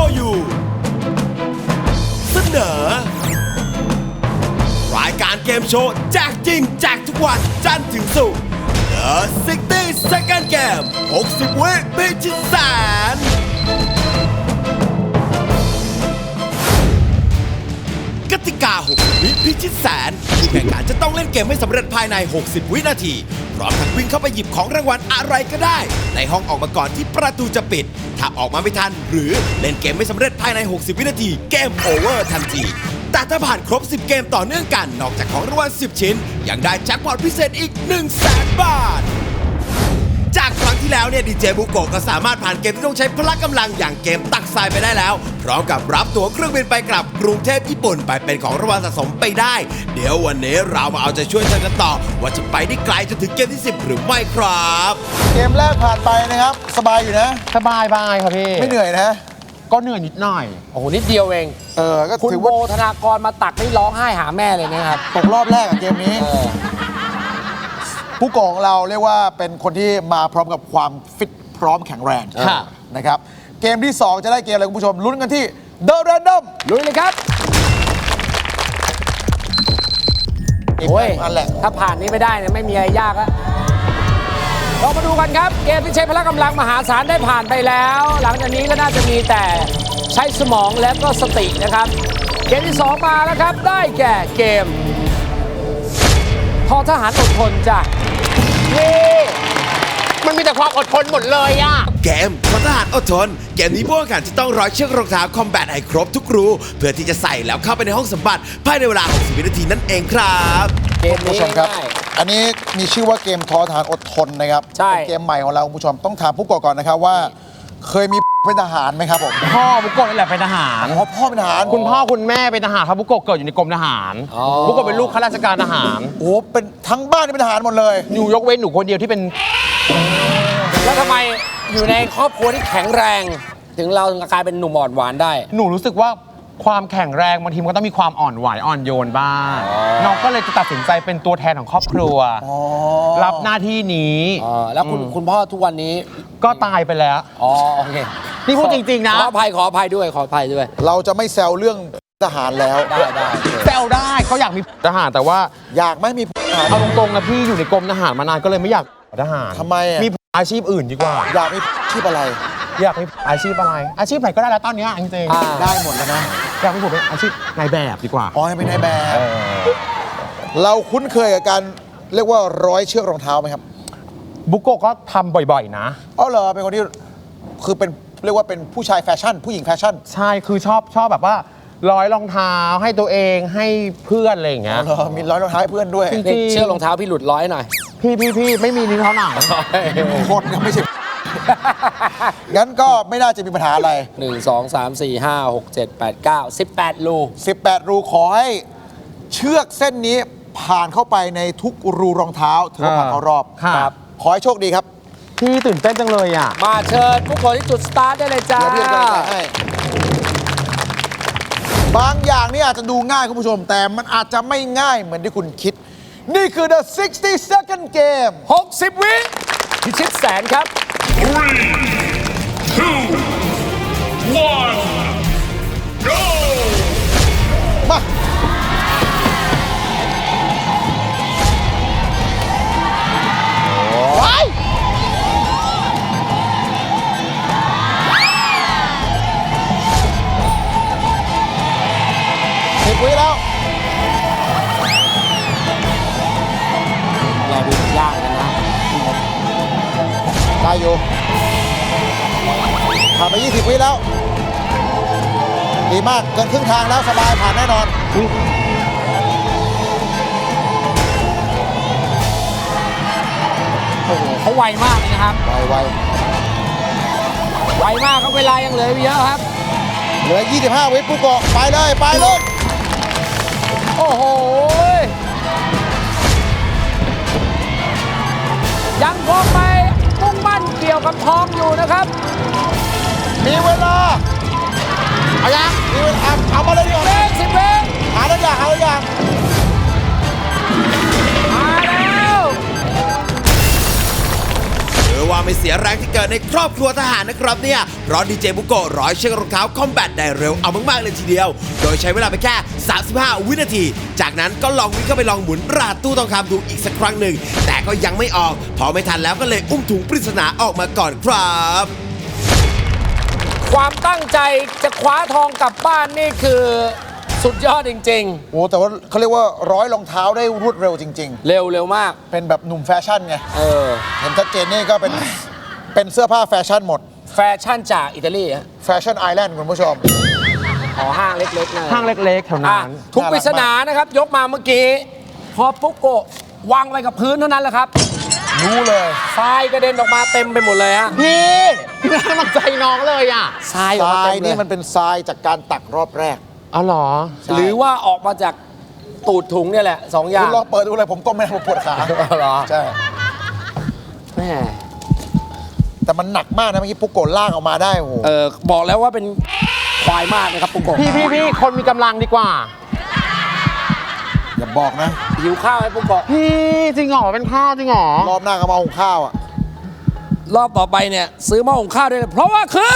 you เสนอรายการเกมโชว์แจกจริงแจกทุกวันจันทร์ถึงศุกร์ The 60 Second Game 60 วิพิชิตแสนกติกา 60 วิพิชิตแสนผู้แข่งขันจะต้องเล่นเกมให้สำเร็จภายใน 60 วินาทีพร้อมทั้งวิ่งเข้าไปหยิบของรางวัลอะไรก็ได้ในห้องออกมาก่อนที่ประตูจะปิดถ้าออกมาไม่ทันหรือเล่นเกมไม่สำเร็จภายใน 60 วินาทีเกมโอเวอร์ทันทีแต่ถ้าผ่านครบ 10 เกมต่อเนื่องกันนอกจากของรางวัล 10 ชิ้นยังได้แจ็คพอตพิเศษอีก 100,000 บาทจากครั้งที่แล้วเนี่ยดีเจบุโกะก็สามารถผ่านเกมที่ต้องใช้พละกำลังอย่างเกมตักทรายไปได้แล้วพร้อมกับรับตั๋วเครื่องบินไปกลับกรุงเทพญี่ปุ่นไปเป็นของรางวัลสะสมไปได้เดี๋ยววันนี้เรามาเอาใจช่วยเธอกันต่อว่าจะไปได้ไกลจนถึงเกมที่ 10 หรือไม่ครับเกมแรกผ่านไปนะครับสบายอยู่นะสบายครับพี่ไม่เหนื่อยนะก็เหนื่อยนิดหน่อยโอ้โหนิดเดียวเองก็คุณถือโบว่าธนากรมาตักนี่ร้องไห้หาแม่เลยนะครับตกรอบแรกเกมนี้ผู้กองเราเรียกว่าเป็นคนที่มาพร้อมกับความฟิตพร้อมแข็งแรงนะครับเกมที่ 2 จะได้เกมอะไรคุณผู้ชมลุ้นกันที่ The Random ลุยเลยครับโอ้ยอันแหละถ้าผ่านนี้ไม่ได้เนี่ยไม่มีอะไรยากแล้วเรามาดูกันครับเกมที่ใช้พละกำลังมหาศาลได้ผ่านไปแล้วหลังจากนี้ก็น่าจะมีแต่ใช้สมองและก็สตินะครับเกมที่ 2 มาแล้วครับได้แก่เกมทอทหารอดทนจ้ะนี่มันมีแต่ความอดทนหมดเลยอะเกมทหารอดทนเกมนี้ผู้แข่งขันจะต้องร้อยเชือกรองเท้าคอมแบทให้ครบทุกรูเพื่อที่จะใส่แล้วเข้าไปในห้องสมบัติภายในเวลา 60 วินาทีนั่นเองครับเกมนี้ครับอันนี้มีชื่อว่าเกมทอทหารอดทนนะครับเป็นเกมใหม่ของเราคุณผู้ชมต้องถามผู้ก่อนนะครับว่าเคยมีเป็นทหารไหมครับผมพ่อบุโกะนี่แหละเป็นทหารพ่อเป็นทหารคุณพ่อคุณแม่เป็นทหารครับบุโกะเกิดอยู่ในกรมทหารบุโกะเป็นลูกข้าราชการทหารโอ้เป็นทั้งบ้านนี่เป็นทหารหมดเลยอยู่ยกเว้นหนูคนเดียวที่เป็นแล้วทำไมอยู่ในครอบครัวที่แข็งแรงถึงเรากลายเป็นหนุ่มอ่อนหวานได้หนูรู้สึกว่าความแข็งแรงบางทีมันก็ต้องมีความอ่อนไหวอ่อนโยนบ้างน้องก็เลยจะตัดสินใจเป็นตัวแทนของครอบครัวรับหน้าที่นี้แล้วคุณพ่อทุกวันนี้ก็ตายไปแล้วโอเคนี่พูดจริงๆนะขออภัยด้วยเราจะไม่แซวเรื่องทหารแล้วได้แซวได้เขาอยากมีทหารแต่ว่าอยากไม่มีทหารเอาตรงๆนะพี่อยู่ในกรมทหารมานานก็เลยไม่อยากทหารทำไมมีอาชีพอื่นดีกว่าอยากมีอาชีพอะไรอยากมีอาชีพอะไรอาชีพไหนก็ได้แล้วตอนนี้จริงๆได้หมดแล้วนะอยากมีผมเป็นอาชีพนายแบบดีกว่าให้เป็นนายแบบเราคุ้นเคยกับการเรียกว่าร้อยเชือกรองเท้าไหมครับบุโกะก็ทำบ่อยๆนะเหรอเป็นคนที่คือเป็นเรียกว่าเป็นผู้ชายแฟชั่นผู้หญิงแฟชั่นใช่คือชอบแบบว่าร้อยรองเท้าให้ตัวเองให้เพื่อนอะไรอย่างเงี้ยมีร้อยรองเท้าให้เพื่อนด้วยเชือกรองเท้าพี่หลุดร้อยหน่อยพี่ไม่มีนิ้วเท้าหนังคนยังไม่ใช่งั้นก็ไม่น่าจะมีปัญหาอะไร 1 2 3 4 5 6 7 8 9 18รูรูขอให้เชือกเส้นนี้ผ่านเข้าไปในทุกรูรองเท้าถือว่าผ่านเข้ารอบครับขอให้โชคดีครับพี่ตื่นเต้นจังเลยอ่ะมาเชิญผู้คนที่จุดสตาร์ทได้เลยจ้าบางอย่างนี่อาจจะดูง่ายคุณผู้ชมแต่มันอาจจะไม่ง่ายเหมือนที่คุณคิดนี่คือ The 60 Second Game 60 วิพิชิตแสนครับ 3 2 1 go มา10 วิแล้วเราดูยากกันนะได้อยู่ผ่านไป20 วิแล้วดีมากเกินครึ่งทางแล้วสบายผ่านแน่นอนโอ้โหเขาไวมากเลยนะครับไวมากเขาเวลายังเหลือเยอะครับเหลือ25 วิปุ๊กโกะไปเลยโอ้โหยังคงไปมุ่งมั่นเกี่ยวกับทองอยู่นะครับมีเวลาเอายังมีเวลาเอามาเลยดีกว่า 10 วิหาแล้วยังว่าไม่เสียแรงที่เกิดในครอบครัวทหารนะครับเนี่ยเพราะดีเจบุโกะร้อยเชือกรองเท้าคอมแบทได้เร็วเอามากๆเลยทีเดียวโดยใช้เวลาไปแค่35 วินาทีจากนั้นก็ลองวิ่งเข้าไปลองหมุนปราดตู้ทองคำดูอีกสักครั้งหนึ่งแต่ก็ยังไม่ออกพอไม่ทันแล้วก็เลยอุ้มถุงปริศนาออกมาก่อนครับความตั้งใจจะคว้าทองกลับบ้านนี่คือสุดยอดจริงโอ้แต่ว่าเขาเรียกว่าร้อยรองเท้าได้รวดเร็วจริงๆ เร็วมากๆ เป็นแบบหนุ่มแฟชั่นไงเออเห็นชัดเจนนี่ก็เป็นเสื้อผ้าแฟชั่นหมดแฟชั่นจากอิตาลีฮะแฟชั่นไอแลนด์คุณผู้ชมอ๋อห้างเล็กๆนะห้างเล็กๆแถวอ่ะนั้นทุกปริศนานะครับ ยกมาเมื่อกี้ พอปุ๊กโกะวางไว้กับพื้นเท่านั้นแหละครับรู้เลยทรายกระเด็นออกมาเต็มไปหมดเลยฮะพี่ไม่ให้กำลังใจน้องเลยอ่ะทรายอทอกมาราเต็ยมเลนี่ยมันเป็นทรายจากการตักรอบแรกอ๋อเหรอหรือว่าออกมาจากตูดถุงเนี่ยแหละสองอย่าคุงณลองเปิดดูเลยผมก้มไม่ได้ผมปวดขาเหรอใช่แม่แต่มันหนักมากนะเมื่อกี้ปุ๊กโกะลากออกมาได้โอ้โหบอกแล้วว่าเป็นควายมากนะครับปุ๊กโกะพี่คนมีกำลังดีกว่าอย่าบอกนะหิวข้าวไหมปุ๊กโกะพี่จริงเหรอเป็นข้าวจริงเหรอรอบหน้าก็มาหุงข้าวอ่ะรอบต่อไปเนี่ยซื้อหม้อหุงข้าวได้เลยเพราะว่าคือ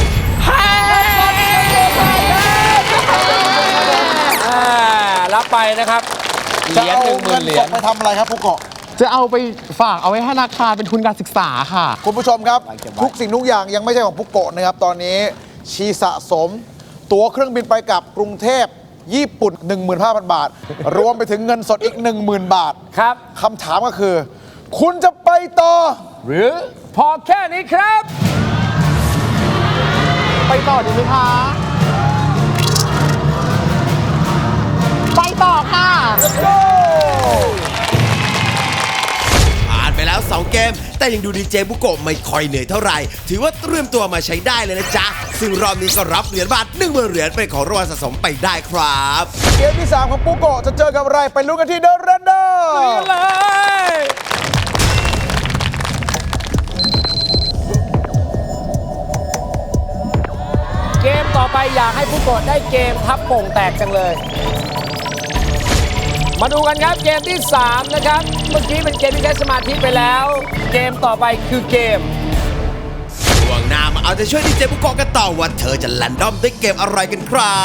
รับไปนะครับเหจะรียญเอา 10,000 เงินเหรีสยดญไปทำอะไรครับปุ๊กโกะจะเอาไปฝากเอาไว้ให้ธนาคารเป็นทุนการศึกษาค่ะคุณผู้ชมครับไว้เก็บไว้ทุกสิ่งทุกอย่างยังไม่ใช่ของปุ๊กโกะนะครับ ตอนนี้ชีสะสม ตั๋วเครื่องบินไปกับกรุงเทพญี่ปุ่น 15,000 บาท รวมไปถึงเงินสดอีก 10,000 บาทครับคำถามก็คือ คุณจะไปต่อหรือพอแค่นี้ครับไปต่อดีไหมคะ ไปต่อค่ะผ่านไปแล้ว 2 เกม แต่ยังดูดีเจบุโกะไม่ค่อยเหนื่อยเท่าไหร่ ถือว่าเตรียมตัวมาใช้ได้เลยนะจ๊ะ ซึ่งรอบนี้ก็รับเหรียญบาท10,000 เหรียญเป็นของรางวัลสะสมไปได้ครับเกมที่ 3 ของปุ๊กโกะจะเจอกับอะไร ไปลุ้นกันที่เดอะเรนเดอร์เลย เกมต่อไปอยากให้ผู้กดได้เกมทับโป่งแตกจังเลย มาดูกันครับเกมที่ 3 นะครับ เมื่อกี้เป็นเกมที่ใช้สมาธิไปแล้ว เกมต่อไปคือเกมช่วงหน้ามาเอาใจช่วยดีเจบุโกะกันต่อว่าเธอจะแรนดอมด้วยเกมอะไรกันครับ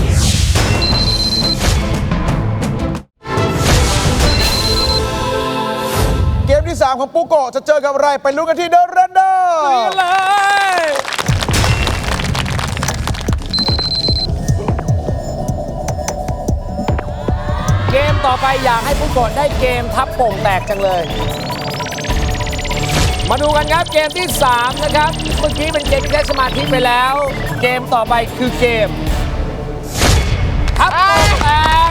เกมที่ 3 ของปุ๊กโกะจะเจอกับอะไร ไปลุ้นกันที่เดอะเรนเดอร์เลย เกมต่อไปอยากให้ผู้กดได้เกมทับโป่งแตกจังเลย มาดูกันครับเกมที่ 3 นะครับ เมื่อกี้เป็นเกมที่ใช้สมาธิไปแล้ว เกมต่อไปคือเกมทับโป่งแตก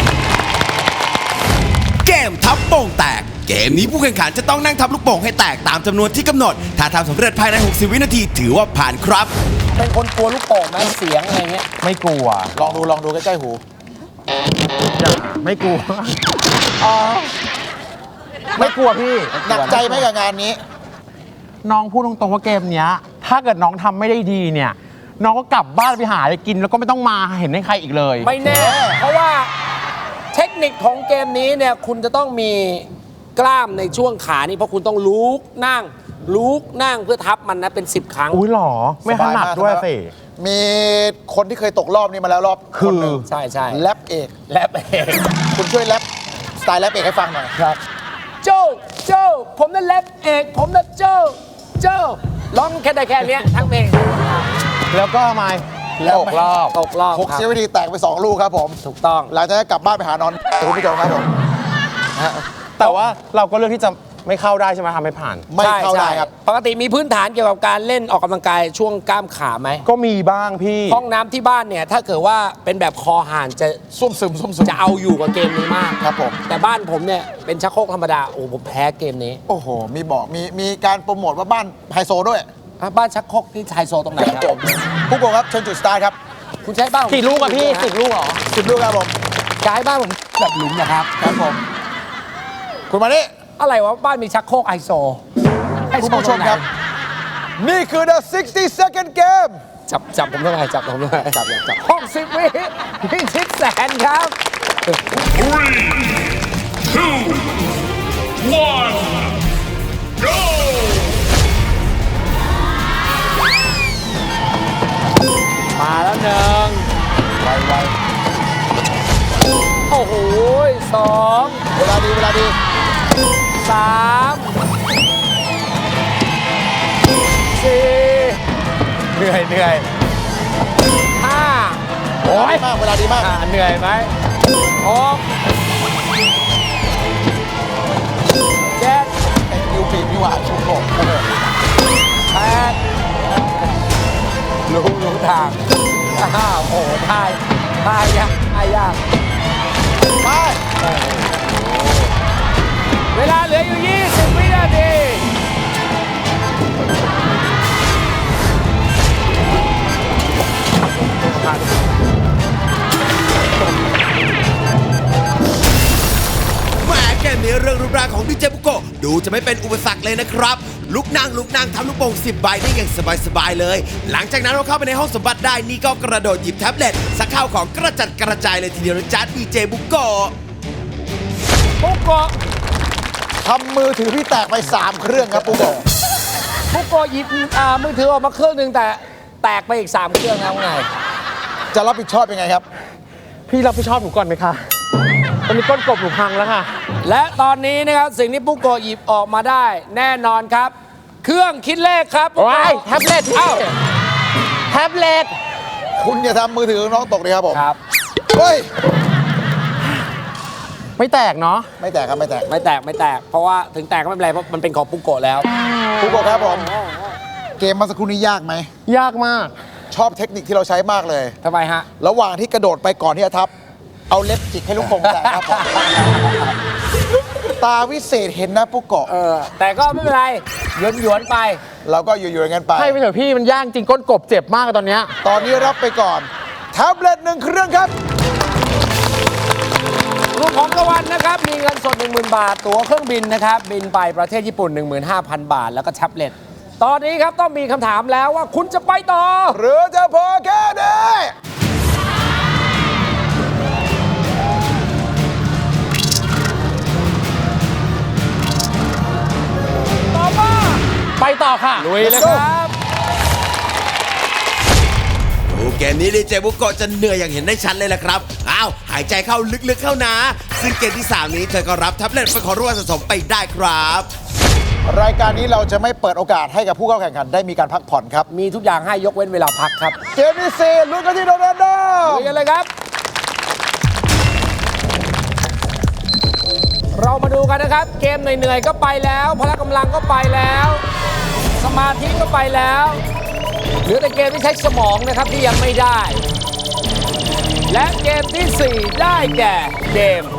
เกมทับโป่งแตก เกมนี้ผู้แข่งขันจะต้องนั่งทับลูกโป่งให้แตกตามจำนวนที่กำหนด ถ้าทำสำเร็จภายใน 60 วินาทีถือว่าผ่านครับเป็นคนกลัวลูกโป่งไหมเสียงอะไรเงี้ยไม่กลัวลองดูใกล้ๆหูไม่กลัวอ๋อไม่กลัวพี่หนักใจไหมกับงานนี้น้องพูดตรงๆว่าเกมเนี้ย ถ้าเกิดน้องทำไม่ได้ดีเนี่ย น้องก็กลับบ้านไปหาอะไรกิน แล้วก็ไม่ต้องมาเห็นให้ใครอีกเลยไม่แน่ เพราะว่าเทคนิคของเกมนี้เนี่ยคุณจะต้องมีกล้ามในช่วงขานี่เพราะคุณต้องลุกนั่งเพื่อทับมันนะเป็น 10 ครั้งอุ้ยหรอ ไม่ถนัดด้วยสิมีคนที่เคยตกรอบนี้มาแล้วรอบคือนหนึ่งใช่ใช่แรปเอกแลบเองคุณช่วยแรปสไตล์แรปเอกให้ฟังหน่อยครับโจผมนั่นแลบเอกผมนั่นโจร้องแค่ได้แค่เนี้ยทั้งเพลงแล้วก็ทำไมแล้วตกรอบตกรอบหกครับเสียวิธีแตกไป 2 ลูกครับผมถูกต้องหลังจากนั้นกลับบ้านไปหานอนคุณผู้ชมครับผมแต่ว่าเราก็เลือกที่จะไม่เข้าได้ใช่ไหมทำให้ผ่านไม่เข้าได้ครับปกติมีพื้นฐานเกี่ยวกับการเล่นออกกำลังกายช่วงกล้ามขาไหมก็มีบ้างพี่ห้องน้ำที่บ้านเนี่ยถ้าเกิดว่าเป็นแบบคอห่านจะซุ่มซึมจะเอาอยู่กับเกมนี้มากครับผมแต่บ้านผมเนี่ยเป็นชักโครกธรรมดาโอ้ผมแพ้เกมนี้โอ้โห มีบอกมีการโปรโมทว่าบ้านไฮโซด้วยอ่ะบ้านชักโครกที่ไฮโซตรงไหนครับผู้กงครับเชิญจุดสตาร์ทครับคุณใช้บ้านผมกี่ลูกอะพี่ 10 ลูกเหรอ 10 ลูกครับผมย้ายบ้านผมแบบหลุมนะครับครับผม คุณมานี่อะไรวะบ้านมีชักโครกไฮโซไฮคุณโซผู้ชตรมงไหนครับ นี่คือ the 60-second game จับผมได้ไงจับผมได้ไงจับ60 วิพิชิตแสนครับ 3, 2, 1, go! 2 เวลาดี 3 4 เหนื่อย 5 โอ้ยมาก เวลาดีมากเหนื่อยไหม6 7 ไอ้คิวปีกนี่หว่าชุกโกะ 8รู้ทางโอ้โหทายยากไปเวลาเหลืออยู่ 20 วินาทีแหมเกมนี้เรื่องรูปร่างของดีเจบุโกะดูจะไม่เป็นอุปสรรคเลยนะครับ ลุกนั่งทำลูกโป่ง10 ใบได้อย่างสบายๆเลย หลังจากนั้นเราเข้าไปในห้องสมบัติได้นี่ก็กระโดดหยิบแท็บเล็ตสักข้าวของกระจัดกระจายเลยทีเดียวนะจ๊ะดีเจบุโกะปุ๊กโกะทำมือถือพี่แตกไป 3 เครื่องครับปุ๊กโกะปุ๊กโกะหยิบมือถือออกมาเครื่องหนึ่งแต่แตกไปอีก 3 เครื่องแล้วไงจะรับผิดชอบยังไงครับพี่รับผิดชอบหนูก่อนไหมคะตอนนี้ก้นกบหนูพังแล้วค่ะและตอนนี้นะครับสิ่งที่ปุ๊กโกะหยิบออกมาได้ แน่นอนครับ เครื่องคิดเลขครับปุ๊กโกะว้ายแท็บเล็ตพี่อ้าวแท็บเล็ตคุณอย่าทำมือถือน้องตกเลยครับผมครับเฮ้ยไม่แตกเนาะไม่แตกครับ ไม่แตกไม่แตก เพราะว่าถึงแตกก็ไม่เป็นไรเพราะมันเป็นของปุ๊กโกะแล้วปุ๊กโกะครับผม เกมเมาสักครู่นี้ยากไหมยากมากชอบเทคนิคที่เราใช้มากเลยทำไมฮะระหว่างที่กระโดดไปก่อนที่จะทับ เอาเล็บจิกให้ลูกโป่งแตกครับผม ตาวิเศษเห็นนะปุ๊กโกะแต่ก็ไม่เป็นไรหยวนๆไปเราก็อยู่ๆอย่างนั้นไปให้ไปเถอะพี่มันยากจริงก้นกบเจ็บมากตอนเนี้ยตอนนี้รับไปก่อนแท็บเล็ต1 เครื่องครับรวมของรางวัลนะครับ มีเงินสด 10,000 บาท ตั๋วเครื่องบินนะครับ บินไปประเทศญี่ปุ่น 15,000 บาท แล้วก็แท็บเล็ต ตอนนี้ครับต้องมีคำถามแล้วว่าคุณจะไปต่อหรือจะพอแค่นี้ตอบว่าไปต่อค่ะลุยเลยครับดูเกมนี้ดีเจบุโกะจะเหนื่อยอย่างเห็นได้ชัดเลยล่ะครับ อ้าว หายใจเข้าลึกๆเข้านะ ซึ่งเกมที่ 3 นี้เธอก็รับแท็บเล็ตเป็นของรางวัลสะสมไปได้ครับรายการนี้เราจะไม่เปิดโอกาสให้กับผู้เข้าแข่งขันได้มีการพักผ่อนครับมีทุกอย่างให้ยกเว้นเวลาพักครับเกมที่4ลุ้นกันที่โดนัลด์ลุยกันเลยครับ เรามาดูกันนะครับ เกมเหนื่อยๆก็ไปแล้ว พละกำลังก็ไปแล้ว สมาธิก็ไปแล้วเหลือแต่เกมที่ใช้สมองนะครับที่ยังไม่ได้ และเกมที่ 4 ได้แก่เกม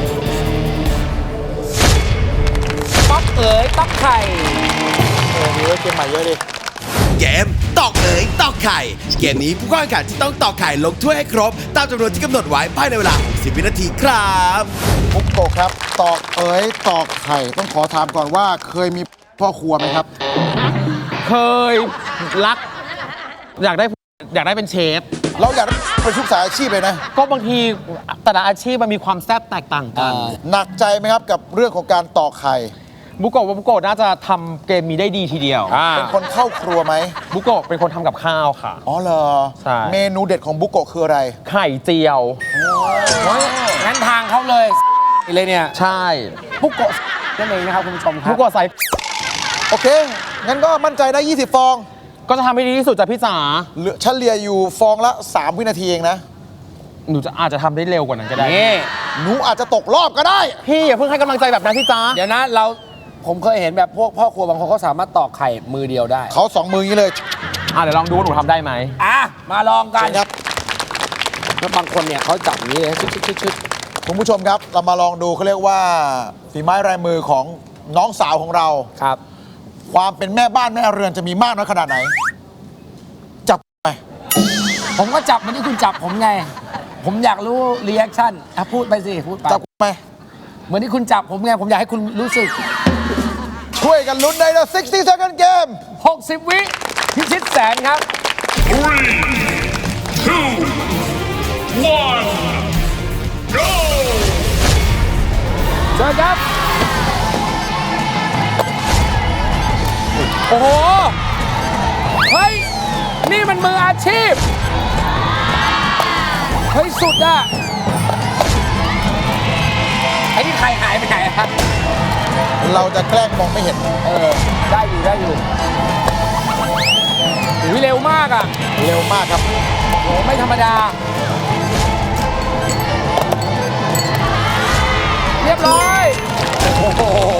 ต๊อกเอ๋ยต๊อกไข่มีเกมใหม่เยอะดิเกมตอกเอ๋ยตอกไข่ เกมนี้ผู้เข้าแข่งขันจะต้องตอกไข่ลงถ้วยให้ครบ ตามจำนวนที่กำหนดไว้ภายในเวลา 60 วินาทีครับปุ๊กโกะครับ ตอกเอ๋ยตอกไข่ ต้องขอถามก่อนว่าเคยมีพ่อครัวไหมครับเคยรัก อยากได้เป็นเชฟเราอยากเป็นทุกสายอาชีพเลยนะก็บางทีแต่ละอาชีพมันมีความแซ่บแตกต่างกันหนักใจไหมครับกับเรื่องของการตอกไข่บุโกะว่าบุโกะน่าจะทำเกมนี้ได้ดีทีเดียวเป็นคนเข้าครัวไหมบุโกะเป็นคนทำกับข้าวค่ะอ๋อเหรอใช่เมนูเด็ดของบุโกะคืออะไรไข่เจียวงั้นทางเขาเลยเลยเนี่ยใช่ปุ๊กโกะนั่นเองนะครับคุณผู้ชมครับุบโกะใส่โอเค งั้นก็มั่นใจได้ 20 ฟองก็จะทำให้ดีที่สุดจ้ะพี่จ๋าเหลือเฉลี่ยอยู่ฟองละ 3 วินาทีเองนะหนูจะอาจจะทำได้เร็วกว่านั้นก็ได้นี่หนูอาจจะตกรอบก็ได้พี่อย่าเพิ่งให้กำลังใจแบบนั้นพี่จ๋าเดี๋ยวนะผมเคยเห็นแบบพวกพ่อครัวบางคนเขาสามารถตอกไข่มือเดียวได้เขา2 มืออย่างนี้เลยเดี๋ยวลองดูว่าหนูทำได้ไหมอ่ะ มาลองกันครับแล้วบางคนเนี่ยเขาจับอย่างนี้เลยชึดคุณผู้ชมครับ เรามาลองดูเขาเรียกว่าฝีไม้ลายมือของน้องสาวของเราครับความเป็นแม่บ้านแม่เรือนจะมีมากน้อยขนาดไหน จับไปผมก็จับเหมือนที่คุณจับผมไง ผมอยากรู้รีแอคชั่นพูดไปสิ พูดไปจับไปเหมือนที่คุณจับผมไง ผมอยากให้คุณรู้สึกช่วยกันลุ้นใน The 60 Second Game 60 วิพิชิตแสนครับ 3, 2, 1, go! เชิญครับ โอ้โห เฮ้ย นี่มันมืออาชีพ เฮ้ย สุดอะไอ้นี่ใครหายไปไหนครับเราจะแกล้งมองไม่เห็นได้อยู่ได้อยู่อุ๊ยเร็วมากอ่ะเร็วมากครับโหไม่ธรรมดา เรียบร้อยโอ้โห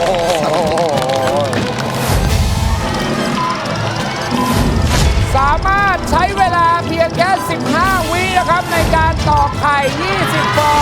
สามารถใช้เวลาเพียงแค่15 วินะครับในการตอกไข่ 20 ฟอง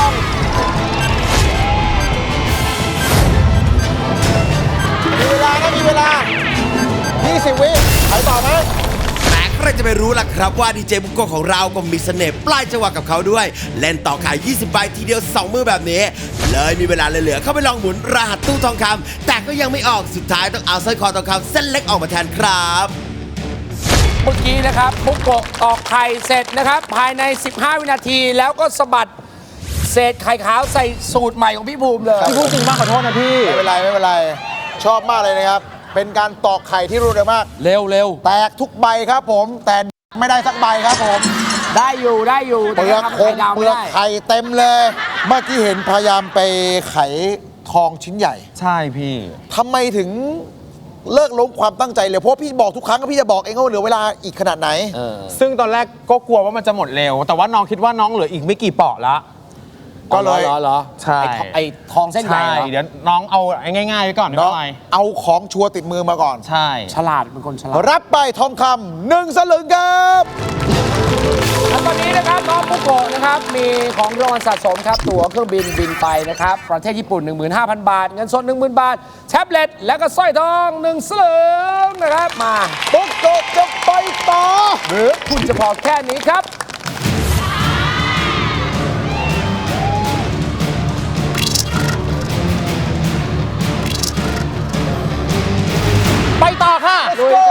มีเวลานะมีเวลา 20 วิไปต่อไหมแต่ใครจะไปรู้ล่ะครับว่าดีเจบุโกะของเราก็มีเสน่ห์ปลายจังหวะกับเขาด้วย เล่นต่อขาย 20 ใบทีเดียว 2 มือแบบนี้ เลยมีเวลาเหลือๆเข้าไปลองหมุนรหัสตู้ทองคำแต่ก็ยังไม่ออกสุดท้ายต้องเอาสร้อยคอทองคำเส้นเล็กออกมาแทนครับเมื่อกี้นะครับบุกโกะตอกไข่เสร็จนะครับ ภายใน 15 วินาทีแล้วก็สะบัดเศษไข่ขาวใส่สูตรใหม่ของพี่ภูมิเลยพี่พูดจริงมากขอโทษนะพี่ไม่เป็นไรไม่เป็นไร ชอบมากเลยนะครับ เป็นการตอกไข่ที่รวดเร็วมากเร็วเร็วแตกทุกใบครับผม แต่ไม่ได้สักใบครับผมได้อยู่ได้อยู่เปลือกทำคไข่งดาวเปไม่ลือกได้ไข่เต็มเลย เมื่อกี้เห็นพยายามไปไขทองชิ้นใหญ่ใช่พี่ทำไมถึงเลิกล้มความตั้งใจเลย เพราะว่าพี่บอกทุกครั้งก็พี่จะบอกเองว่าเหลือเวลาอีกขนาดไหนซึ่งตอนแรกก็กลัวว่ามันจะหมดเร็ว แต่ว่าน้องคิดว่าน้องเหลืออีกไม่กี่เปาะละก็เลยเหรอใช่ไอ้ทองเส้นใหญ่ใช่เหรอเดี๋ยวน้องเอาง่ายๆไว้ก่อนเนาะไม่เป็นไรเอาของชัวร์ติดมือมาก่อนใช่ฉลาดเป็นคนฉลาดรับไปทองคำ1 สลึงครับแล้วตอนนี้นะครับน้องปุโกะนะครับมีของรางวัลสะสมครับตั๋วเครื่องบินบินไปนะครับประเทศญี่ปุ่น 15,000 บาท เงินสด 10,000 บาท แท็บเล็ตและก็สร้อยทอง1 สลึงนะครับมาปุ๊กโกะจะไปต่อหรือคุณจะพอแค่นี้ครับไปต่อค่ะ Let's go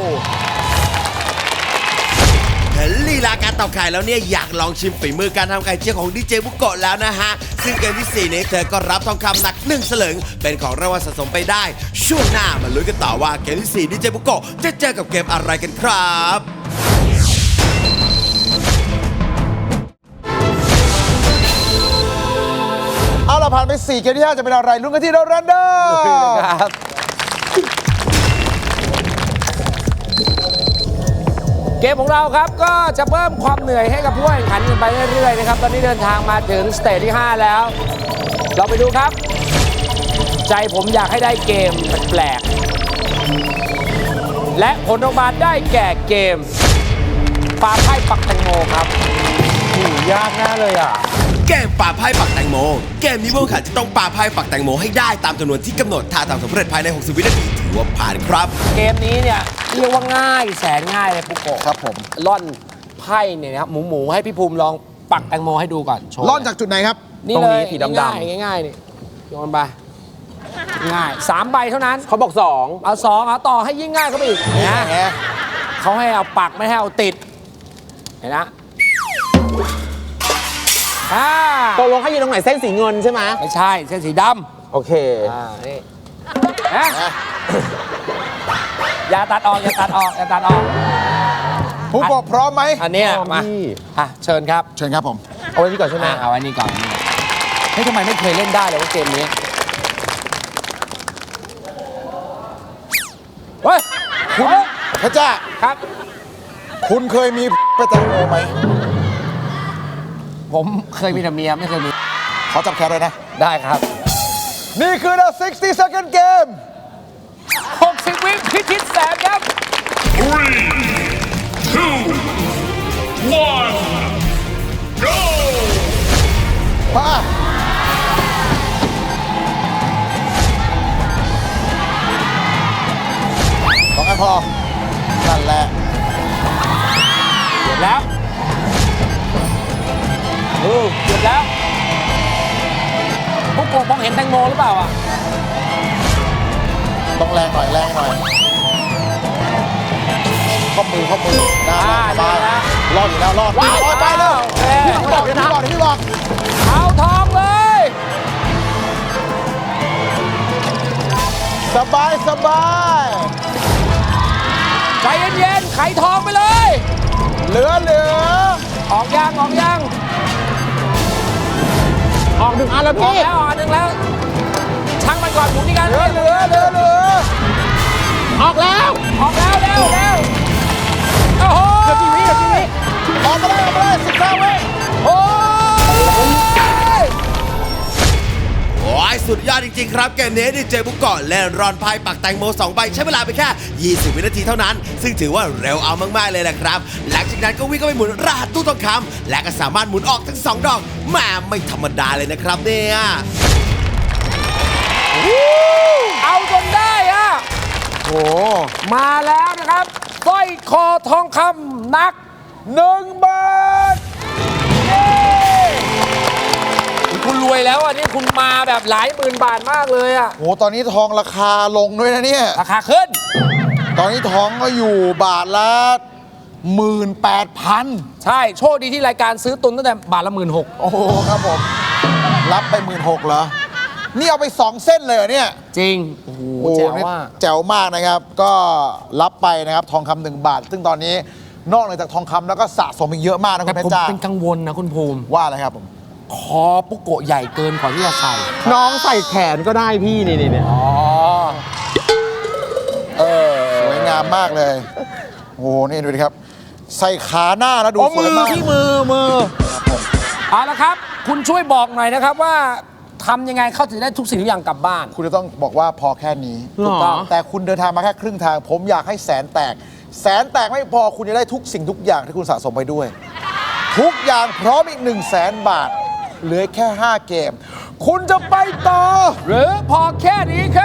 เห็นลีลาการตอกไข่แล้วเนี่ยอยากลองชิมฝีมือการทำไข่เจียวของดีเจบุโกะแล้วนะฮะ ซึ่งเกมที่ 4 นี้เธอก็รับทองคำหนัก1 สลึงเป็นของรางวัลสะสมไปได้ ช่วงหน้ามาลุ้นกันต่อว่าเกมที่ 4 ดีเจบุโกะจะเจอกับเกมอะไรกันครับเอาละผ่านไป 4 เกมที่ 5 จะเป็นอะไรลุ้นกันที่เรารันเดอร์ครับ เกมของเราครับก็จะเพิ่มความเหนื่อยให้กับผู้แข่งขันกันไปเรื่อยๆนะครับตอนนี้เดินทางมาถึงสเตจที่ 5 แล้ว เราไปดูครับ ใจผมอยากให้ได้เกมแปลกๆและผลออกมาได้แก่เกมปาไพ่ปักแตงโมครับยากแน่เลยอ่ะเกมปาไพ่ปักแตงโม เกมนี้ผู้แข่งขันจะต้องปาไพ่ปักแตงโมให้ได้ตามจำนวนที่กำหนดถ้าทำสำเร็จภายใน 60 วินาทีถือว่าผ่านครับเกมนี้เนี่ยเรียกว่าง่ายแสนง่ายเลยปุ๊กโกะครับผมล่อนไพ่เนี่ยนะครับหมูให้พี่ภูมิลองปักแตงโมให้ดูก่อนโชว์ล่อนจากจุดไหนครับนี่ตรงเลนี้ยสีดำๆง่ายๆนี่โยนไปง่าย3 ใบเท่านั้นเขาบอกเอา2เอาต่อให้ยิ่งง่ายเข้าไปอีกนะแหมเขาให้เอาปักไม่ให้เอาติดเห็นนะ 2ตกลงให้ยืนตรงไหนเส้นสีเงินใช่ไหมไม่ใช่เส้นสีดโอเคำนี่นะอย่าตัดออกอย่าตัดออกอย่าตัดออกผู้กบพร้อมไหมอันเนี้ยมาพี่เชิญครับเชิญครับผมเอาไว้นี่ก่อนใช่ไหมเอาไว้นี่ก่อนเฮ้ยทำไมไม่เคยเล่นได้เลยว่าเกมนี้เฮ้ยคุณพระเจ้าครับคุณเคยมีไปแตงโมไหมผมเคยมีแต่เมียไม่เคยมีขอจับแขนเลยนะได้ครับนี่คือ the 60 second game 60 วิพิชิตแสนครับ 3, 2, 1, go! มาสองอันพอ นั่นแหละหยุดแล้วหยุดแล้วพวกโกมองเห็นแตงโมหรือเปล่าอ่ะต้องแรงหน่อยแรงหน่อยข้อมือนะได้มาแล้วรอดอยู่แล้วรอดว้าวรอดไปเลยเอ้ยพี่บอกพี่บอกเอาทองเลยสบายสบายใจเย็นๆไขทองไปเลยเหลือออกยังออกยังออกหนึ่งอันแล้วออกพี่แล้วออกอันหนึ่งแล้วช่างมันก่อนหมุนที่กันเหลือออกแล้วออกแล้วเร็วโอ้โหเกือบกี่วิออกมาเลย15 วิโอ้ยโอ้ยสุดยอดจริงๆครับเกมนี้ดีเจบุกเกาะเล่นรอนไพ่ปักแตงโม2ใบใช้เวลาไปแค่ 20 วินาทีเท่านั้น ซึ่งถือว่าเร็วเอามากๆเลยแหละครับ หลังจากนั้นก็วิ่งเข้าไปหมุนรหัสตู้ทองคำและก็สามารถหมุนออกทั้ง 2 ดอกแหม่ไม่ธรรมดาเลยนะครับเนี่ยเอาจนได้อะโอ้มาแล้วนะครับสร้อยคอทองคำหนัก1 บาทเย้คุณรวยแล้วอ่ะนี่คุณมาแบบหลายหมื่นบาทมากเลยอ่ะโหตอนนี้ทองราคาลงด้วยนะเนี่ยราคาขึ้นตอนนี้ทองก็อยู่บาทละ 18,000 ใช่โชคดีที่รายการซื้อตุนตั้งแต่บาทละ16,000 โอ้โหครับผม รับไป 16,000เหรอ นี่เอาไป 2 เส้นเลยเหรอเนี่ยจริง โอ้โหโอ้แจ๋วนี่ว่าแจ๋วมากนะครับ ก็รับไปนะครับทองคำ1 บาท ซึ่งตอนนี้นอกเหนือจากทองคำแล้วก็สะสมอีกเยอะมากนะคุแต่ณเพชผมรจ้าเป็นกังวลนะคุณภูมิว่าอะไรครับผมคอปุกโกะใหญ่เกินกว่าที่จะใส่น้องใส่แขนก็ได้พี่นี่อ๋อสวยงามมากเลย โอ้โห นี่ดูดิครับ ใส่ขาหน้าแล้วดูโอ้สวยมากที่มือเอาละครับ คุณช่วยบอกหน่อยนะครับว่าทำยังไงเขาถึงได้ทุกสิ่งทุกอย่างกลับบ้านคุณจะต้องบอกว่าพอแค่นี้หรอถูกต้องแต่คุณเดินทางมาแค่ครึ่งทาง ผมอยากให้แสนแตก แสนแตกไม่พอคุณจะได้ทุกสิ่งทุกอย่างที่คุณสะสมไปด้วย ทุกอย่างพร้อมอีก100,000 บาท เหลือแค่ 5 เกม คุณจะไปต่อหรือพอแค่นี้ครับ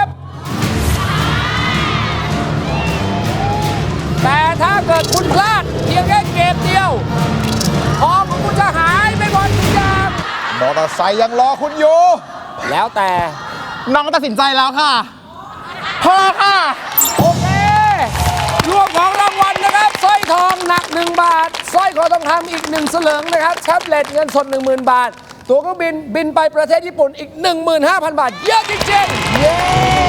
แต่ถ้าเกิดคุณพลาดเพียงแค่เกมเดียวทองของคุณจะหายไปหมดทุกอย่างมอเตอร์ไซค์ยังรอคุณอยู่แล้วแต่น้องตัดสินใจแล้วค่ะพอค่ะโอเค รวมของรางวัลนะครับสร้อยทองหนัก 1 บาทสร้อยคอทองคำอีก 1 สลึงนะครับแท็บเล็ตเงินสด 10,000 บาท ตั๋วเครื่องบินไปประเทศญี่ปุ่นอีก 15,000 บาท เยอะจริงๆ เย้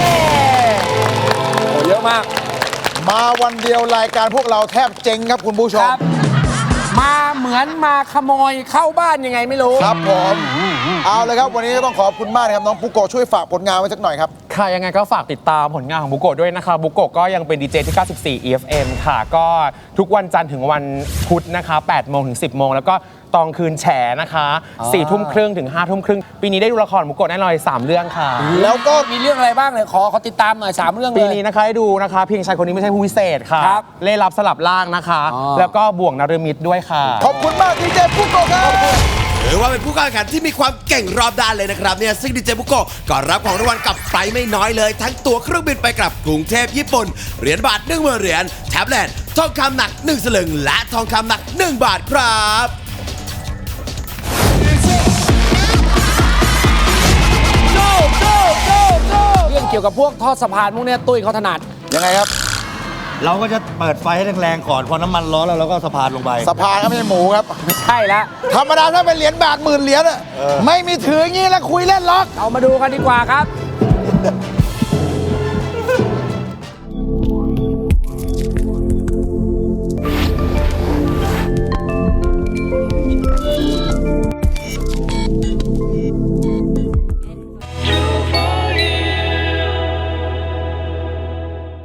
โอ้เยอะมากมาวันเดียวรายการพวกเราแทบเจ๊งครับคุณผู้ชคมรับ มาเหมือนมาขโมยเข้าบ้านยังไงไม่รู้ครับผม เอาเลยครับวันนี้ต้องขอบคุณมากนะครับน้องปุโกะช่วยฝากผลงานไว้สักหน่อยครับค่ะยังไงก็ฝากติดตามผลงานของบุโกะด้วยนะคะบุโกะก็ยังเป็นดีเจที่ 94 EFM ค่ะ ก็ทุกวันจันทร์ถึงวันพุธนะคะ 8 โมงถึง 10 โมง แล้วก็ตอนคืนแฉนะคะ 4 ทุ่มครึ่งถึง 5 ทุ่มครึ่ง ปีนี้ได้ดูละครบุโกะแน่นอน3 เรื่องค่ะแล้วก็มีเรื่องอะไรบ้างเลยขอติดตามหน่อย 3 เรื่องเลยปีนี้นะคะให้ดูนะคะ เพียงชายคนนี้ไม่ใช่ผู้พิเศษค่ะครับเล่รับสลับล่างนะคะอ๋อแล้วก็บ่วงนรมิตด้วยค่ะขอบคุณมากดีเจปุโกะครับถือว่าเป็นผู้เข้าแข่งขันที่มีความเก่งรอบด้านเลยนะครับเนี่ยซึ่งดีเจบุโกะก็รับของรางวัลกลับไปไม่น้อยเลย ทั้งตั๋วเครื่องบินไปกลับกรุงเทพญี่ปุ่น เหรียญบาท10,000 เหรียญแท็บเล็ตทองคำหนัก 1 สลึง และทองคำหนัก 1 บาทครับเรื่องเกี่ยวกับพวกทอดสะพานพวกเนี้ยตุ้ยเขาถนัดยังไงครับเราก็จะเปิดไฟให้แรงๆก่อน พอน้ำมันร้อนแล้วเราก็สะพานลงไปสะพานก็ไม่ใช่หมูครับไม่ใช่แล้วธรรมดาถ้าเป็นเหรียญบาท10,000 เหรียญอะไม่มีถืออย่างนี้แล้วคุยเล่นล็อกเอามาดูกันดีกว่าครับ